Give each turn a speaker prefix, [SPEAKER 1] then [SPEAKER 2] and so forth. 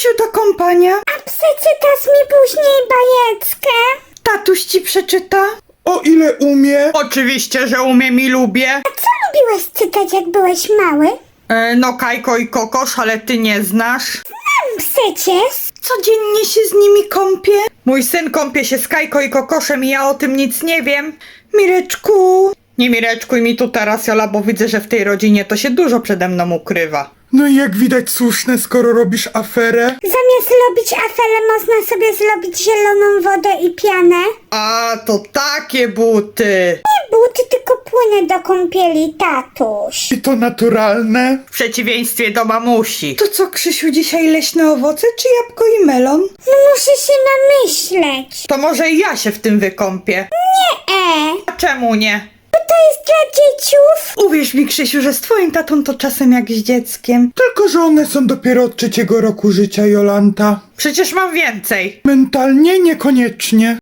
[SPEAKER 1] Krzysiu, do kąpania.
[SPEAKER 2] A przeczytasz mi później bajeczkę?
[SPEAKER 1] Tatuś ci przeczyta.
[SPEAKER 3] O ile umie.
[SPEAKER 1] Oczywiście, że umiem i lubię.
[SPEAKER 2] A co lubiłeś czytać, jak byłeś mały?
[SPEAKER 1] No Kajko i Kokosz, ale ty nie znasz.
[SPEAKER 2] Przecież.
[SPEAKER 1] Codziennie się z nimi kąpię. Mój syn kąpie się z Kajko i Kokoszem i ja o tym nic nie wiem. Mireczku. Nie mireczkuj mi tu teraz, Jola, bo widzę, że w tej rodzinie to się dużo przede mną ukrywa.
[SPEAKER 3] No i jak widać słuszne, skoro robisz aferę.
[SPEAKER 2] Zamiast robić aferę, można sobie zrobić zieloną wodę i pianę.
[SPEAKER 1] A, to takie buty.
[SPEAKER 2] Nie buty, tylko płyny do kąpieli, tatuś.
[SPEAKER 3] I to naturalne.
[SPEAKER 1] W przeciwieństwie do mamusi. To co, Krzysiu, dzisiaj leśne owoce czy jabłko i melon?
[SPEAKER 2] No muszę się namyśleć.
[SPEAKER 1] To może i ja się w tym wykąpię. A czemu nie?
[SPEAKER 2] To jest dla dzieciów.
[SPEAKER 1] Uwierz mi, Krzysiu, że z twoim tatą to czasem jak z dzieckiem.
[SPEAKER 3] Tylko, że one są dopiero od 3 roku życia, Jolanta.
[SPEAKER 1] Przecież mam więcej.
[SPEAKER 3] Mentalnie niekoniecznie.